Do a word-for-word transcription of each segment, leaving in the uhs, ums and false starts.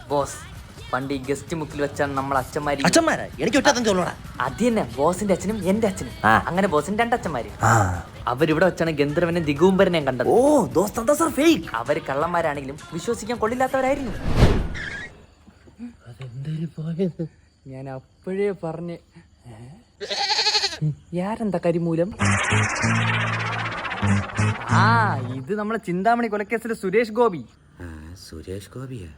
Boss പണ്ട് ഈ guest മുക്കിൽ വെച്ചാണ് നമ്മൾ അച്ഛന്മാര് അച്ഛന്മാരാ എനിക്ക് ഒറ്റ ചോളൂടാ. അത് തന്നെ ബോസിന്റെ അച്ഛനും എന്റെ അച്ഛനും ആ. അങ്ങനെ ബോസിന്റെ രണ്ടച്ഛന്മാര് അവരിവിടെ വെച്ചാണ് ഗന്ധർവനെ ദിഗൂംബരനെ കണ്ടത്. ഓ ദോസ്ത് എന്താ സർ ഫേക്ക്? അവര് കള്ളന്മാരാണെങ്കിലും വിശ്വസിക്കാൻ കൊള്ളില്ലാത്തവരായിരുന്നു. ഞാൻ അപ്പോഴേ പറഞ്ഞ് യാരെന്താ കരിമൂലം. ആ ഇത് നമ്മളെ ചിന്താമണി കൊലക്കേസിലെ സുരേഷ് ഗോപി. സുരേഷ് ഗോപിയാ?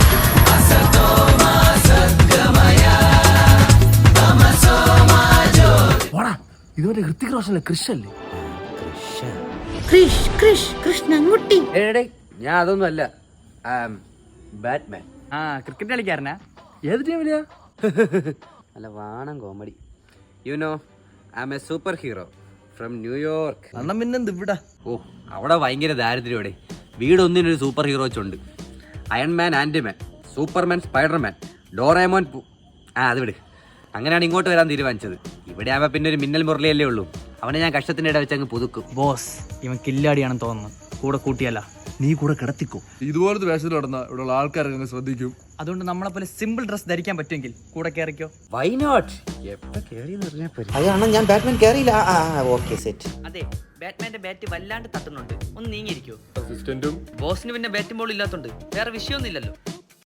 ഇതുവരെ ഹൃത്തിക് റോഷനല്ലേ കൃഷല്ലേ? കൃഷ് കൃഷ് കൃഷ്ണൻകുട്ടി. ഏടേ ഞാൻ അതൊന്നും അല്ല, ബാറ്റ്മാൻ. ആ ക്രിക്കറ്റ് കളിക്കാരനാ? ഏത് ടീമിലെയാ? അല്ല വാണം comedy. You know I am a super hero from New York. അണ്ണം പിന്നെന്ത് ഇവിടെ? ഓ അവിടെ ഭയങ്കര ദാരിദ്ര്യോടെ. വീടൊന്നിനൊരു സൂപ്പർ ഹീറോ ഉണ്ട്. Iron Man, Ant Man, Superman, Spider Man, Doraemon. ആ അത് വിട്. അങ്ങനെയാണ് ഇങ്ങോട്ട് വരാൻ തീരുമാനിച്ചത്. ഇവിടെ ആവുമ്പോൾ പിന്നെ ഒരു മിന്നൽ മുരളിയല്ലേ ഉള്ളൂ. അവനെ ഞാൻ കഷ്ടത്തിൻ്റെ ഇട വെച്ച് അങ്ങ് പുതുക്കും. ബോസ് ഇവൻ കില്ലാടിയാണെന്ന് തോന്നുന്നു. കൂടെ കൂട്ടിയല്ല നീ കൂടെ കിടത്തിക്കോ. ഇതുപോലത്തെ വേഷത്തിൽ നടന്ന ഇവിടെയുള്ള ആൾക്കാരൊക്കെ ശ്രദ്ധിക്കും. അതുകൊണ്ട് നമ്മളെ പോലെ സിമ്പിൾ ഡ്രസ് ധരിക്കാൻ പറ്റുമെങ്കിൽ കൂടെ കയറിക്കോ. Why not? എപ്പോൾ കേറിയെന്ന് പറഞ്ഞാൽ പോരെ. അതാണ് ഞാൻ ബാറ്റ്മാൻ കയറിയില്ല. Okay set. അതെ ബാറ്റ്മാന്റെ ബാറ്റ് വല്ലാണ്ട് തട്ടുന്നുണ്ട്. ഒന്ന് നീങ്ങിയിരിക്കോ. അസിസ്റ്റന്റും ബോസിന് പിന്നെ ബാറ്റും ബോൾ ഇല്ലാത്തോണ്ട് വേറെ വിഷയമൊന്നുമില്ലല്ലോ.